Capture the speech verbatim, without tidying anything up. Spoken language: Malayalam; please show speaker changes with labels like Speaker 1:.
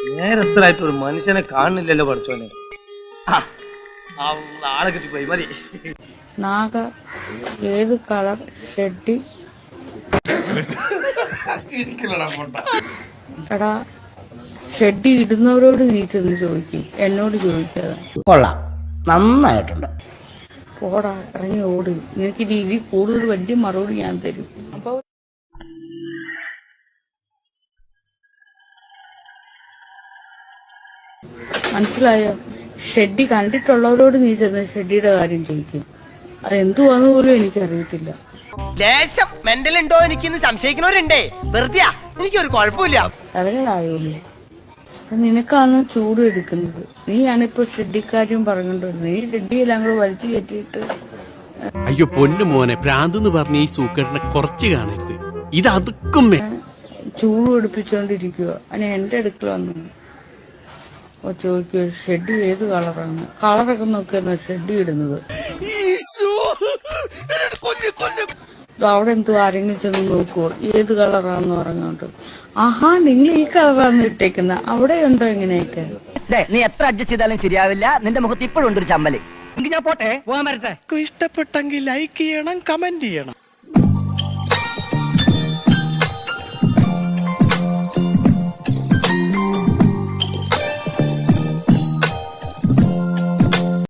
Speaker 1: നേരത്തിലായിട്ട് ഒരു മനുഷ്യനെ കാണുന്നില്ലല്ലോ പഠിച്ചോനെ. ആളെ കിട്ടിപ്പോയി മതി.
Speaker 2: നാഗ ഏത് കളർ ഷെഡി? എടാ ഷെഡി ഇടുന്നവരോട് നീ ചെന്ന് ചോദിക്കും, എന്നോട് ചോദിക്കാതെ.
Speaker 3: കൊള്ളാം, നന്നായിട്ടുണ്ട്.
Speaker 2: പോടാ ഇറങ്ങി ഓട്. നിനക്ക് രീതി കൂടുതൽ വലിയ മറുപടി ഞാൻ തരും. അപ്പൊ മനസ്സിലായോ? ഷെഡി കണ്ടിട്ടുള്ളവരോട് നീ ചെന്ന് ഷെഡിയുടെ കാര്യം ചോദിക്കും. അതെന്തുവാന്ന് പോലും എനിക്കറിയത്തില്ല.
Speaker 4: ലേശം മെന്റൽ ഉണ്ടോ എനിക്കിന്ന് സംശയിക്കുന്നവരുണ്ടേ. വെറുതെ എനിക്കൊരു കുഴപ്പമില്ല.
Speaker 2: അവരായുള്ളൂ. നിനക്കാണ് ചൂട് എടുക്കുന്നത്. നീയാണിപ്പോ ഷെഡിക്കാര്യം പറഞ്ഞോണ്ട് നീ ഷെഡിയെല്ലാം കൂടെ വലിച്ചു കയറ്റിയിട്ട്.
Speaker 5: അയ്യോ പൊന്നു മോനെ, ഭ്രാന്തെന്ന് പറഞ്ഞ ഈ സൂക്കേടിനെ കുറച്ച് കാണരുത്. ഇത് അതുക്കും
Speaker 2: ചൂട് പിടിപ്പിച്ചോണ്ടിരിക്കുക. അതിന് എന്റെ അടുക്കൽ വന്നു ചോദിക്കുക ഷെഡ് ഏത് കളറാണ്. കളറൊക്കെ നോക്കിയാ ഷെഡ് ഇടുന്നത്. അവിടെ എന്തോ ആരെങ്കിലും ചെന്ന് നോക്കുവോ ഏത് കളറാന്ന് പറഞ്ഞോണ്ട്. ആഹാ നിങ്ങൾ ഈ കളറാണ് ഇട്ടേക്കുന്ന. അവിടെ ഉണ്ടോ ഇങ്ങനെയൊക്കെ?
Speaker 4: നീ എത്ര അഡ്ജസ്റ്റ് ചെയ്താലും ശരിയാവില്ല. നിന്റെ മുഖത്ത് ഇപ്പോഴും ഉണ്ട് ഒരു ചമ്മല്. ഞാൻ പോട്ടെ, പോകാൻ വരട്ടെ.
Speaker 5: ഇഷ്ടപ്പെട്ടെങ്കിൽ ലൈക്ക് ചെയ്യണം, കമന്റ് ചെയ്യണം.